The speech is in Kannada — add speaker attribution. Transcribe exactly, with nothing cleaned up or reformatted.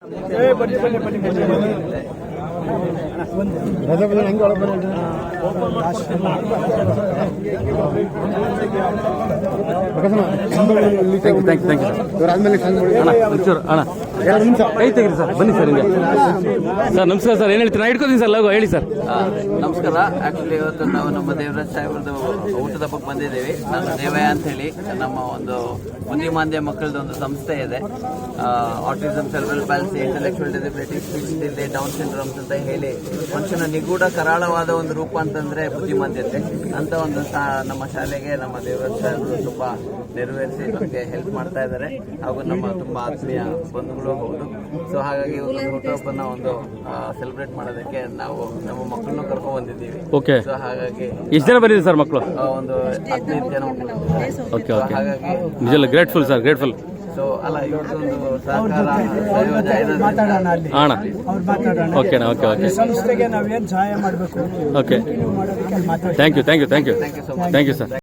Speaker 1: ಕೈ ತೆಗಿರಿ ಸರ್, ಬನ್ನಿ ಸರ್ ಹಿಂಗೆ ಸರ್. ನಮಸ್ಕಾರ ಸರ್, ಏನು ಹೇಳ್ತೀರಾ? ನಾ ಇಟ್ಕೋತೀನಿ ಸರ್, ಲಗು ಹೇಳಿ ಸರ್.
Speaker 2: ನಮಸ್ಕಾರ. ಆಕ್ಚುಲಿ ಇವತ್ತು ನಾವು ನಮ್ಮ ದೇವರಾಜ್ ಸಾಹೇಬ್ರದ್ದು ಊಟದ ಹಬ್ಬಕ್ಕೆ ಬಂದಿದ್ದೀವಿ. ನಾನು ದೇವಯ್ಯ ಅಂತ ಹೇಳಿ, ನಮ್ಮ ಒಂದು ಬುದ್ಧಿಮಾಂದ್ಯ ಮಕ್ಕಳದ್ದು ಒಂದು ಸಂಸ್ಥೆ ಇದೆ. Autism, cerebral palsy, intellectual disability, speech delay, Down syndromes ಅಂತ ಹೇಳಿ ಮನುಷ್ಯನ ನಿಗೂಢ ಕರಾಳವಾದ ಒಂದು ರೂಪ ಅಂತಂದ್ರೆ ಬುದ್ಧಿಮಾಂದ್ಯತೆ ಅಂತ ಒಂದು ನಮ್ಮ ಶಾಲೆಗೆ ನಮ್ಮ ದೇವರಾಜ್ ಸಾಹೇಬರು ತುಂಬಾ ನೆರವೇರಿಸಿ ನಮಗೆ ಹೆಲ್ಪ್ ಮಾಡ್ತಾ ಇದ್ದಾರೆ. ಹಾಗೂ ನಮ್ಮ ತುಂಬಾ ಆತ್ಮೀಯ ಬಂಧುಗಳು ಹೌದು. ಸೊ ಹಾಗಾಗಿ ಒಂದು ಹುಟ್ಟುಹಬ್ಬನ ಒಂದು ಸೆಲೆಬ್ರೇಟ್ ಮಾಡೋದಕ್ಕೆ ನಾವು ನಮ್ಮ ಮಕ್ಕಳನ್ನು ಕರ್ಕೊಂಡ್ ಬಂದಿದ್ದೀವಿ.
Speaker 1: ಓಕೆ.
Speaker 2: ಸೊ ಹಾಗಾಗಿ
Speaker 1: ಎಷ್ಟು ಜನ ಬಂದಿದೆ ಸರ್ ಮಕ್ಕಳು?
Speaker 2: ಒಂದು ಹದಿನೈದು ಜನ ಮಕ್ಕಳು.
Speaker 1: Okay okay.
Speaker 2: ಹಾಗಾಗಿ
Speaker 1: ನಿಜಲ್ಲ ಗ್ರೇಟ್ಫುಲ್ ಸರ್, ಗ್ರೇಟ್ಫುಲ್.
Speaker 2: ಸೊ ಅಲ್ಲ ಇವ್ರದ್ದೊಂದು ಸಹಕಾರ
Speaker 1: ಅಣ್ಣ. ಓಕೆನಾ? Okay okay.
Speaker 3: ಸಂಸ್ಥೆಗೆ ನಾವೇನು ಸಹಾಯ ಮಾಡಬೇಕು.
Speaker 1: Okay. Thank you thank you thank you thank you sir.